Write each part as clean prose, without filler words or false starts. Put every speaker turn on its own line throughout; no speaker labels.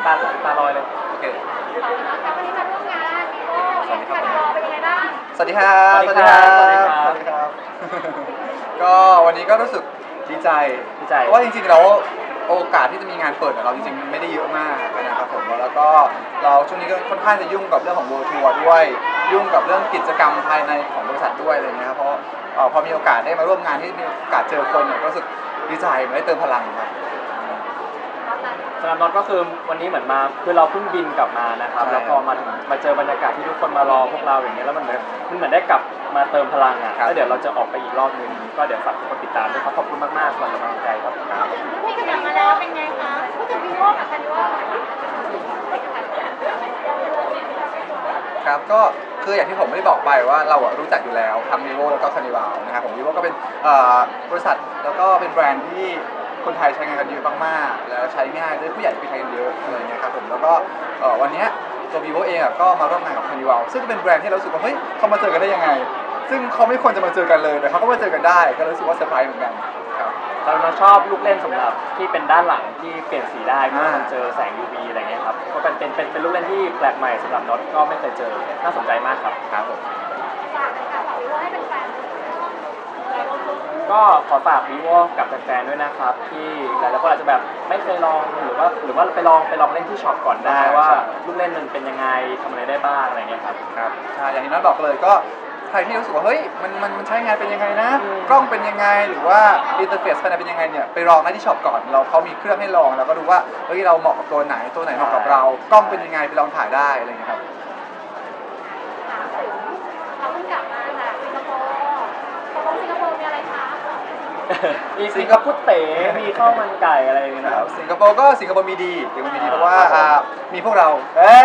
ตาลอยเลย
โอเค
ครับวันนี้มาร่วมงานวีโก้เอ็กซ์แพดรอเป็นยังไงบ้าง
สวัสดีครับ
สวัสดีครับสวัสดีครับ
สวัสดีครับ ก็วันนี้ก็รู้สึกดีใจ
ดีใจ
เพราะว่าจริงๆแล้วโอกาสที่จะมีงานเปิดเราจริงๆไม่ได้เยอะมากนะครับผมแล้วก็เราช่วงนี้ก็ค่อนข้างจะยุ่งกับเรื่องของ World Tour ด้วยยุ่งกับเรื่องกิจกรรมภายในของบริษัทด้วยอะไรเงี้ยครับเพราะพอมีโอกาสได้มาร่วมงานที่มีโอกาสเจอคนเนี่ยก็รู้สึกดีใจมันได้เติมพลังครับ
สำหรับน็อตก็คือวันนี้เหมือนมาคือเราเพิ่งบินกลับมานะครับแล้วพอมาเจอบรรยากาศที่ทุกคนมารอพวกเราอย่างเงี้ยแล้วมันเหมือนได้กลับมาเติมพลังอ่ะแล้วเดี๋ยวเราจะออกไปอีกรอบนึงก็เดี๋ยวฝากทุกคนติดตามด้วยครับขอบคุณมากๆสำหรับกำลังใจครับ
พี่ก็กลับมาแล้วเป็นไงคะพูดถึงวีโก้กับคานิวัล
ครับก็คืออย่างที่ผมได้บอกไปว่าเรารู้จักอยู่แล้วทั้ง vivo แล้วก็ Carnival นะครับผม vivo ก็เป็นบริษัทแล้วก็เป็นแบรนด์ที่คนไทยใช้งานกันเยอะมากๆแล้วใช้ง่ายด้วยผู้ใหญ่ไปใช้กันเยอะอะไรเงี้ยครับผมแล้วก็วันนี้ตัว vivo เองก็มาร่วมงานกับ Carnival ซึ่งเป็นแบรนด์ที่เรารู้สึกว่าเฮ้ยเขามาเจอกันได้ยังไงซึ่งเขาไม่ควรจะมาเจอกันเลยแต่เขาก็มาเจอกันได้ก็รู้สึกว่าเซอร์ไพรส์เหมือนกันครับ
เราชอบลูกเล่นสำหรับที่เป็นด้านหลังที่เปลี่ยนสีได้เมื่อมันเจอแสง UV อะไรเงี้ยครับก็เป็นลูกเล่นที่แปลกใหม่สำหรับน็อตก็ไม่เคยเจอน่าสนใจมากครับ
ครับผม
ฝากนะคะฝากวีโก้ให้เป็นแฟน
ก็ขอฝาก vivo กับแฟนๆด้วยนะครับที่หลายๆคนอาจจะแบบไม่เคยลองหรือว่าไปลองเล่นที่ช็อปก่อนได้ว่าลูกเล่นมันเป็นยังไงทำอะไรได้บ้างอะไรเงี้ยครับ
ครับใช่อย่างที่น้อยบอกเลยก็ใครที่รู้สึกว่าเฮ้ยมันใช้งานเป็นยังไงนะกล้องเป็นยังไงหรือว่าอินเทอร์เฟซภายในเป็นยังไงเนี่ยไปลองได้ที่ช็อปก่อนเขามีเครื่องให้ลองแล้วก็ดูว่าเฮ้ยเราเหมาะกับตัวไหนเหมาะกับเรากล้องเป็นยังไงไปลองถ่ายได้อะไรอย่างเงี้ยครับ
เขาเพิ่งกลับมาจากสิงคโปร์สิงคโปร์มีอะไรคะ
มีสิงคโปร์เต๋มีข้าวมันไก่อะไรอย่างเงี้ยนะครับ
สิงคโปร์มีดีเพราะว่ามีพวกเรา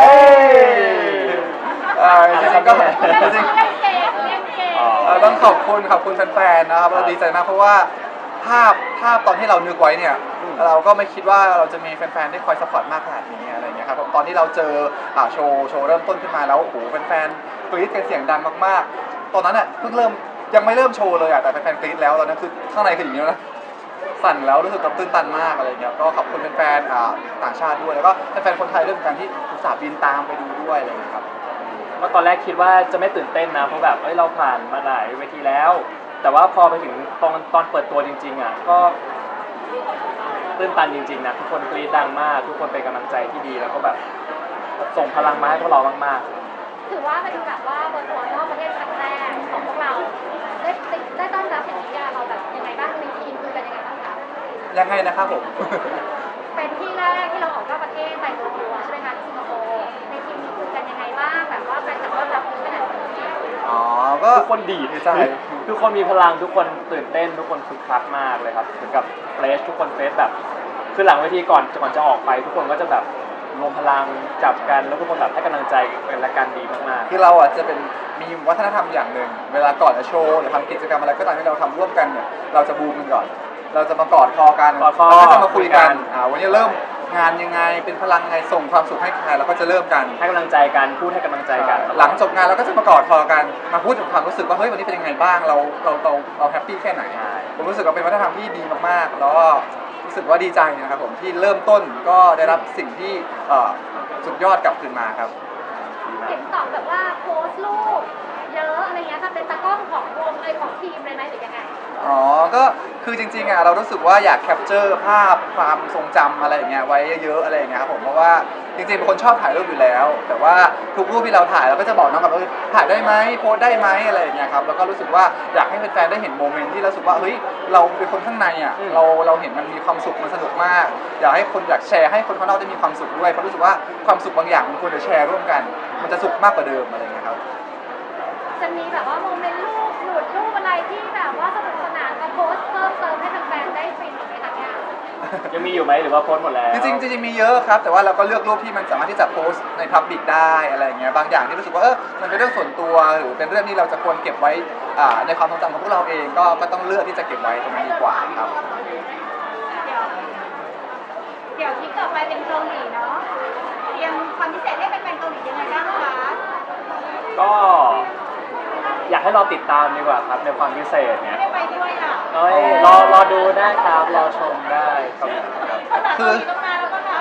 จริงๆก็จริงต้องขอบคุณแฟนๆนะครับเราดีใจมากเพราะว่าภาพตอนที่เรานึกไว้เนี่ยเราก็ไม่คิดว่าเราจะมีแฟนๆที่คอยซัพพอร์ตมากขนาดนี้อะไรเงี้ยครับตอนที่เราเจอโชว์เริ่มต้นขึ้นมาแล้วโอ้โหแฟนๆกรี๊ดกันเสียงดังมากๆตอนนั้นอ่ะเพิ่งยังไม่เริ่มโชว์เลยอ่ะแต่แฟนๆกรี๊ดแล้วตอนนั้นคือข้างในคืออย่างนี้นะสั่นแล้วรู้สึกตื้นตันมากอะไรเงี้ยก็ขอบคุณแฟนๆต่างชาติด้วยแล้วก็แฟนๆคนไทยด้วยเหมือนกันที่อุตส่าห์บินตามไปดูด้วยอะไรเงี้ยครับ
เมื่อตอนแรกคิดว่าจะไม่ตื่นเต้นนะเพราะแบบเราผ่านมาหลายเวทีแล้วแต่ว่าพอไปถึงตอนเปิดตัวจริงๆอ่ะก็ตื้นตันจริงๆนะทุกคนกรี๊ดดังมากทุกคนเป็นกำลังใจที่ดีแล้วก็แบบส่งพลังมาให้พวกเรามาก
ๆถือว่าเป็นแบบว่าเปิดตัวนอกประเทศครั้งแรกของพวกเราได้ต้อนรับอย่างนี้เราแบบยังไงบ้างมีทีมคือเป็นยังไงบ้างคะ
ยังไงนะครับผม
เป็นที่แรกที่เราออกนอกประเทศไปทัวร์ใช่ไหมคะที่สิงคโปร์ในทีมมีคุยกันยังไงบ้างแบบว่าแฟนจะต้อนรับขนาดไหน
ก็
ทุกคนดีใจทุกคนมีพลังทุกคนตื่นเต้นทุกคนคึกคักมากเลยครับเหมือนกับเฟสทุกคนเฟสแบบคือหลังเวทีก่อนจะออกไปทุกคนก็จะแบบรวมพลังจับกันแล้วทุกคนแบบให้กำลังใจกันและกันดีมาก
ๆคือเราจะเป็นมีวัฒนธรรมอย่างหนึ่งเวลาก่อนจะโชว์หรือทำกิจกรรมอะไรก็ตามที่เราทำร่วมกันเนี่ยเราจะบูมกันก่อนเราจะมากอดคอกันแล้วก็จะมาคุยกันวันนี้เริ่มงานยังไงเป็นพลังไงส่งความสุขให้ใครเราก็จะเริ่มกัน
ให้กำลังใจกันพูดให้กำลังใจกัน
หลังจบงานเราก็จะมากอดคอกันมาพูดถึงความรู้สึกว่าเฮ้ยวันนี้เป็นยังไงบ้างเราแฮปปี้แค่ไหนผมรู้สึกว่าเป็นวัฒนธรรมที่ดีมากๆแล้วก็รู้สึกว่าดีใจนะครับผมที่เริ่มต้นก็ได้รับสิ่งที่สุดยอดกลับคืนมาครับ
เห็นตอบแบบว่าโพสต์รูปเยอะอะไรเงี้ยค่ะเป็นตากล้องของวงของทีมเลยไหมหรือยังไง
ก็คือจริงๆเรารู้สึกว่าอยากแคปเจอร์ภาพความทรงจำอะไรอย่างเงี้ยไว้เยอะๆอะไรอย่างเงี้ยครับผมเพราะว่าจริงๆเป็นคนชอบถ่ายรูปอยู่แล้วแต่ว่าทุกรูปที่เราถ่ายเราก็จะบอกน้องกับว่าถ่ายได้ไหมโพสได้ไหมอะไรอย่างเงี้ยครับแล้วก็รู้สึกว่าอยากให้แฟนๆได้เห็นโมเมนต์ที่รู้สึกว่าเฮ้ยเราเป็นคนข้างในอ่ะเราเห็นมันมีความสุขมันสนุกมากอยากให้คนอยากแชร์ให้คนข้างนอกได้มีความสุขด้วยเพราะรู้สึกว่าความสุขบางอย่างมันควรจะแชร์ร่วมกันมันจะสุขมากกว่าเดิมอะไรอย่างเงี้ยครับ
จะมีแบบว่าโมเมนต์รูปหลุดรูปอะไรที่แบบว่าสนุกสนานมาโพสต์เพิ่มเติมให้แฟนๆได้ฟินในทางงาน
ยังมีอยู่ไหมหรือว่าโพสต์หมดแล้ว
จริงๆมีเยอะครับแต่ว่าเราก็เลือกรูปที่มันสามารถที่จะโพสต์ในพับบิกได้อะไรอย่างเงี้ยบางอย่างที่รู้สึกว่ามันเป็นเรื่องส่วนตัวหรือเป็นเรื่องที่เราจะควรเก็บไว้ในความทรงจำของพวกเราเองก็ต้องเลือกที่จะเก็บไว้ตรงนั้นดีกว่าครับ
เดี๋ยวที่ต่อไปเป็นเกาหลีเนาะเตรียมความพิเศษให้เป็นเกาหลียังไงบ้างคะ
ก็อยากให้เราติดตามดีกว่าครับในความพิเศษเนี่ย
ไม่ไปด้วยอ่ะ
รอดูได้ครับรอชมได้ครับ
คือ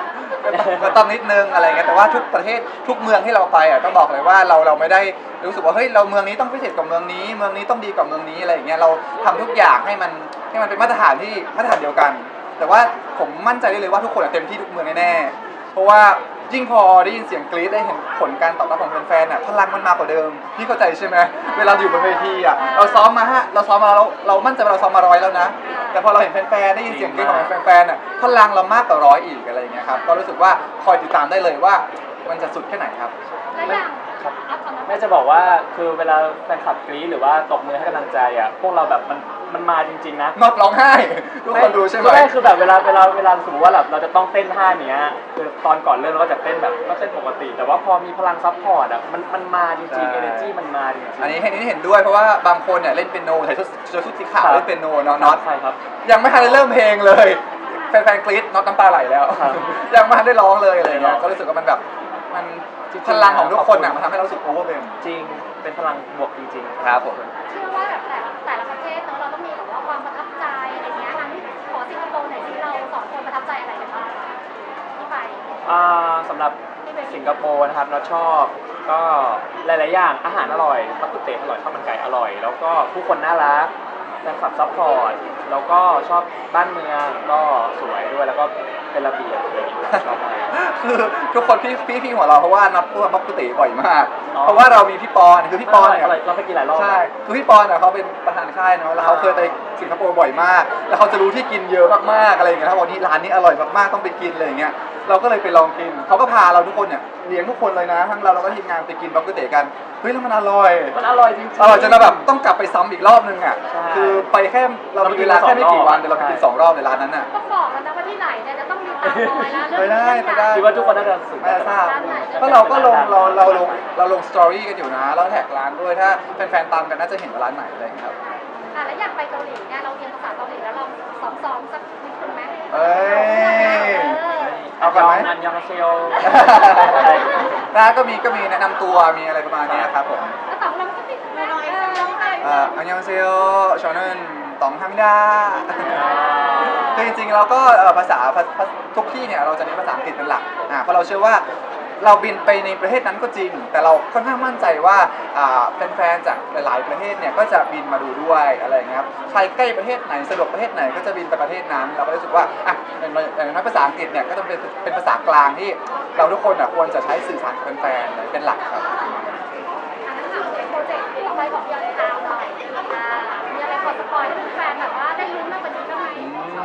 ก็ต้องนิดนึงอะไรเงี้ยแต่ว่าทุกประเทศทุกเมืองที่เราไปอ่ะต้องบอกเลยว่าเราไม่ได้รู้สึกว่าเฮ้ยเราเมืองนี้ต้องพิเศษกว่าเมืองนี้เมืองนี้ต้องดีกว่าเมืองนี้อะไรอย่างเงี้ยเราทำทุกอย่างให้มันเป็นมาตรฐานที่มาตรฐานเดียวกัน แต่ว่าผมมั่นใจได้เลยว่าทุกคนอะเต็มที่ทุกเมืองแน่ๆเพราะว่ายิ่งพอได้ยินเสียงกรี๊ดได้เห็นผลการตอบรับของแฟนๆอ่ะพลังมันมากกว่าเดิมพี่เข้าใจใช่ไหมเวลาอยู่บนเวทีอ่ะเราซ้อมมาเรามั่นใจว่าเราซ้อมมา100แล้วนะแต่พอเราเห็นแฟนๆได้ยินเสียงกรี๊ดของแฟนๆอ่ะพลังเรามากกว่า100อีกอะไรอย่างเงี้ยครับก็รู้สึกว่าคอยติดตามได้เลยว่ามันจะสุดแค่ไหนครับ
และอย่างเอาก่อนนะ
แม่จะบอกว่าคือเวลาแฟนคลับกรี๊ดหรือว่าตบมือให้กำลังใจอ่ะพวกเราแบบมันมาจริงๆนะ
นอกร้องไห้ทุกคนดูใช่ไหม
คือแบบเวลาสมมติว่าแบบเราจะต้องเต้นท่าเนี้ยคือตอนก่อนเริ่มเราก็จะเต้นแบบก็เต้นปกติ แต่ว่าพอมีพลังซัพพอร์ตอ่ะมันมาจริงๆ energy มันมาจริงๆ
อันนี้เห็นด้วยเพราะว่าบางคนเนี่ยเล่นเปียโนใส่ชุดสีขาว
ครับ
เล่นเปียโนน็อต
ใช่ครับ
ยังไม่ทันได้เริ่มเพลงเลยแฟนๆกรี๊ดน็อตน้ำตาไหลแล้ว
ครับ
ยังไม่ทันได้ร้องเลยอะไร
ครั
เงี้ย
บ
ก็รู้สึกว่ามันแบบมัน
จริงๆ
พลังของทุกคนอ่ะมันทำให้เรารู้สึกโอเวอร์เวม
จริงเป็นพลังบวกจริงๆ
ครับผม
เชื่อว่าแบบแต่ละประเทศเนอะเราต้องมีแบบว่าความประทับใจอะไรเงี้ยงั้นขอสิงคโปร์หน่อยที่เราสองคนประทับใจอะไรกันบ้างที่ไป
สำหรับสิงคโปร์นะครับเราชอบก็หลายๆอย่างอาหารอร่อยมักกุเตะอร่อยข้าวมันไก่อร่อย แล้วก็ผู้คนน่ารักแฟนคลับซัพพอร์ตแล้วก็ชอบบ้านเมืองก็สวยด้วยแล้วก็เป็นระเบียบอะไรอย่างเงี้ยชอบมาก
คือทุกคนพี่หัวเราะเพราะว่านัดพูดบักกุเตบ่อยมาก
อ๋อ
เพราะว่าเรามีพี่ปอนคือพี่ปอนเนี่ย
เราไปกินหลายรอบ
ใช่คือพี่ปอนเนี่ยเขาเป็นประธานค่ายเนาะแล้วเขาเคยไปสิงคโปร์บ่อยมาก แล้วเขาจะรู้ที่กินเยอะมากๆอะไรอย่างเงี้ยเขาบอกนี่ร้านนี้อร่อยมากๆต้องไปกินอะไรอย่างเงี้ยเราก็เลยไปลองกินเขาก็พาเราทุกคนเนี่ยเลี้ยงทุกคนเลยนะทั้งเราแล้วก็ทีมงานไปกินบักกุเตกันเฮ้ยแล้วมันอร่อย
มันอร่อยจริงๆ
อร่อยจนเราแบบต้องกลับไปซ้ำอีกรอบนึงอ่ะ
ใช่
คือไปแค่เรามีเวลาแค่ไม่กี่วันแต่เราไปกิน
ใช่
2 รอบในร้านนั้นอ่ะ
ต้องบอกแล้วนะว่าที่ไหนเนี่ยจะต้องมีตามรอยแล้ว
ไปได้ไปได้
คิดว่าทุกคนน่าจะสึก
ไม่ทราบก็เราก็ลงเราลงสตอรี่กันอยู่นะแล้วแท็กร้านด้วยถ้าแฟนๆตามกันน่าจะเห็นว่าร้านไหนอะไรอย่างเงี้ยครับ
แล้วอยากไปเกาหลีเนี่ยเราเรียนภาษาเกาหลีแล้วเราซ้อมสักนิดนึงไหม
เอ้ย เอา
เอา
ก่อนไหม
อันยองเซล
ร้านก็มีแนะนำตัวมีอะไรประมาณเนี้ยครับผม
แล้วต่องลองสักนิดนึงไหมลองไป
อันยองเซลชอนึนตองฮัมดาคือจริงๆเราก็ภาษาทุกที่เนี่ยเราจะเน้นภาษาอังกฤษเป็นหลักเพราะเราเชื่อว่าเราบินไปในประเทศนั้นก็จริง แต่เราค่อนข้างมั่นใจว่าแฟนๆจากหลายๆประเทศเนี่ยก็จะบินมาดูด้วยอะไรอย่างเงี้ยครับใครใกล้ประเทศไหนสะดวกประเทศไหนก็จะบินไปประเทศนั้นเราก็รู้สึกว่าอย่างน้อยภาษาอังกฤษเนี่ยก็จะเป็นภาษากลางที่เราทุกคนควรจะใช้สื่อสารกับแฟนๆเป็นหลักครับ
อันนั้นถามโปรเจกต์ที่เราไปของยอนทาวน์หน่อยมีอะไรพอสปอยให้แฟนแบบว่าได้รู้มากกว่านี้บ้างไหม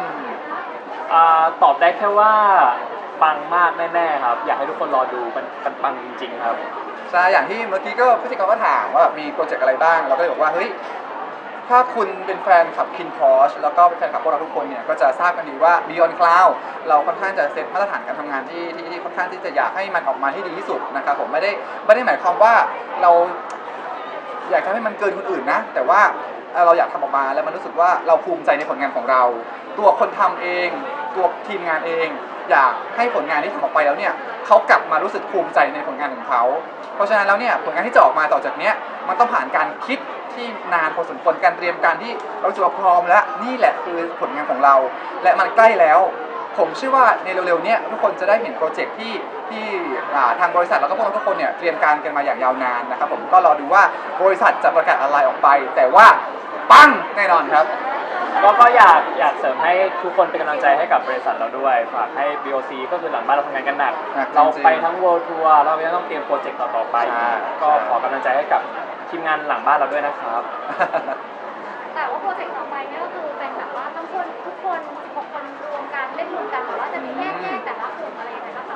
ตอบได้แค่ว่าปังมากแน่ๆครับ อยากให้ทุกคนรอดูมันปังจริงๆครับ
ใช่อย่างที่เมื่อกี้ก็พิธีกรก็ถามว่ามีโปรเจกต์อะไรบ้างเราก็เลยบอกว่าเฮ้ยถ้าคุณเป็นแฟนขับคินพอชแล้วก็เป็นแฟนขับพวกเราทุกคนเนี่ยก็จะทราบกันดีว่า Beyond Cloud เราค่อนข้างจะเซตมาตรฐานการทำงานที่ค่อนข้างที่จะอยากให้มันออกมาให้ดีที่สุดนะครับผมไม่ได้หมายความว่าเราอยากทำให้มันเกินคนอื่นนะแต่ว่าเราอยากทำออกมาแล้วมันรู้สึกว่าเราภูมิใจในผลงานของเรา ตัวคนทำเองตัวทีมงานเอง อยากให้ผลงานที่ทำออกไปแล้วเนี่ยเขากลับมารู้สึกภูมิใจในผลงานของเขาเพราะฉะนั้นแล้วเนี่ยผลงานที่จะออกมาต่อจากเนี้ยมันต้องผ่านการคิดที่นานพอสมควรการเตรียมการที่เรารู้สึกว่าพร้อมแล้วนี่แหละคือผลงานของเรา และมันใกล้แล้ว ผมเชื่อว่าในเร็วๆเนี้ยทุกคนจะได้เห็นโปรเจกต์ที่ทางบริษัทแล้วก็พวกเราทุกคนเนี่ยเตรียมการกันมาอย่างยาวนานนะครับผมก็รอดูว่าบริษัทจะประกาศอะไรออกไป แต่ว่าปังแน่นอนครับ
ก็อยากเสริมให้ทุกคนเป็นกำลังใจให้กับบริษัทเราด้วยฝากให้ BOC ก็คือหลังบ้านเราทำงานกันหนัก เราไปทั้ง World Tour เรายังต้องเตรียมโปรเจกต์ต่อๆไป ก็ขอกำลังใจให้กับทีมงานหลังบ้านเราด้วยนะครับ
แต่ว่าโปรเจกต์ต่อไปเนี่ยก็คือเป็นแบบว่าต้องคนทุกคน16 คนรวมกันเล่นรวมกันหรือว่าจะมีแยกแต่ละกลุ่มอะไรยังไงบ้างคะ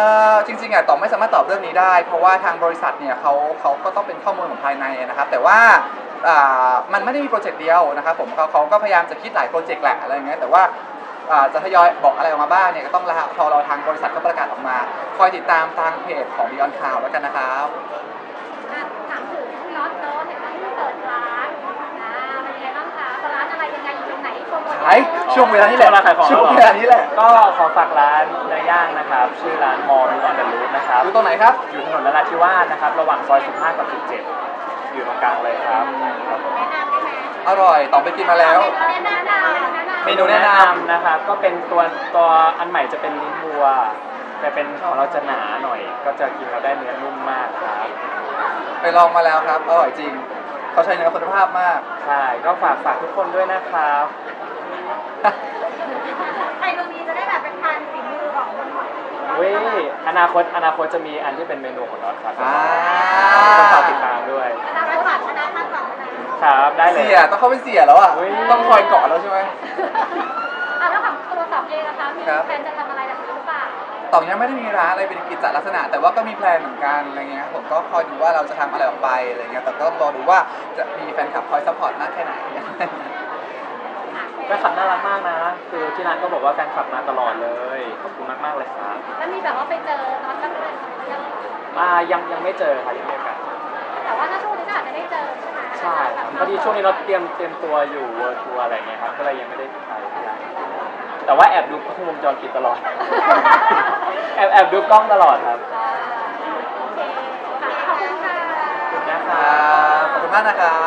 จริงๆตอบไม่สามารถตอบเรื่องนี้ได้ เพราะว่าทางบริษัทเนี่ยเขาก็ต้องเป็นข้อมูลของภายในนะครับแต่ว่ามันไม่ได้มีโปรเจกต์เดียวนะครับผมเขาก็พยายามจะคิดหลายโปรเจกต์แหละอะไรอย่างเงี้ยแต่ว่าจะทยอยบอกอะไรออกมาบ้างเนี่ยก็ต้องรอทางบริษัทเขาประกาศออกมา คอยติดตามทางเพจของ Beyond Cloud แล้วกันนะครับ
ถามถึงน็อตเนาะเห็นว่าเพิ่งเปิดร้านเป็นยังไงบ้างคะร้านอะไรยังไงอยู่ตรงไหนโปรโมท
ช่วงเวลานี้แหละ ช่วงเวลานี้แหละ
ก็ขอฝากร้านเนื้อย่างนะครับ ชื่อร้านมอร์มิออนเดอะรูทนะครับ
อยู่ตรงไหนครับ
อยู่ถนนนราธิวาสนะครับ ระหว่างซอย 15 กับ 17 อยู่ตรงกลางเลยครับ
แนะนำได้ไหม
อร่อยต่อไปกินมาแล้ว
แนะนำ
เมนูแนะนำนะครับ ก็เป็นตัวอันใหม่จะเป็นลิ้นวัวแต่เป็นของเราจะหนาหน่อย ก็จะกินแล้วได้เนื้อนุ่มมากครับ
ไปลองมาแล้วครับอร่อยจริงเขาใช้เนื้อคุณภาพมาก
ใช่ก็ฝากทุกคนด้วยนะครับ
ใครตรงนี้จะได้แบบเป็นทานฝีมือของ
เว้ยอนาคตจะมีอันที่เป็นเมนูของน็อตครับ
อ่า
ต้องฝากติดตามด้วย
อนาคตคณะท่านสองนะครับ
ได้เลย
เสียต้องเข้าไปเสียแล้วอ่ะ
เฮ้ย
ต้องคอยเกาะแล้วใช่ไหม
แล้วของตัวสองเองนะคะมี
ครับ
แผนจะทำอะไรแบบนี้หรือเปล่า
ต่องยังไม่ได้มีร้านอะไรเป็นกิจลักษณะ แต่ว่าก็มีแพลนเหมือนกันอะไรเงี้ยครับผมก็คอยดูว่าเราจะทำอะไรออกไปอะไรเงี้ยแต่ก็รอดูว่าจะมีแฟนคลับคอยซัพพอร์ตมากแค่ไหน
แฟนคลับน่ารักมากนะ คือที่ร้านก็บอกว่าแฟนคลับมาตลอดเลย ขอบคุณมากๆเลยครับ
แล้วมีแบบว่าไปเจอตอนตั้งแต่ยัง
ยังไม่เจอค่ะยังไม่มีโอกาส
แต่ว่าถ้าช่วงนี้ก็อาจจะได้เจอใช่ไหม
ใช่ครับพอดีช่วงนี้เราเตรียมตัวอยู่เวิร์ทัวร์อะไรเงี้ยครับ ก็เลยยังไม่ได้ไปที่ร้านแต่ว่าแอบดูกล้องวงจรปิดตลอด แอบดูกล้องตลอดครับ
โอเคค่ะขอบคุณค่ะ
ขอบคุณนะค
ค
รั
รับ บขอบคุณมากนะครับ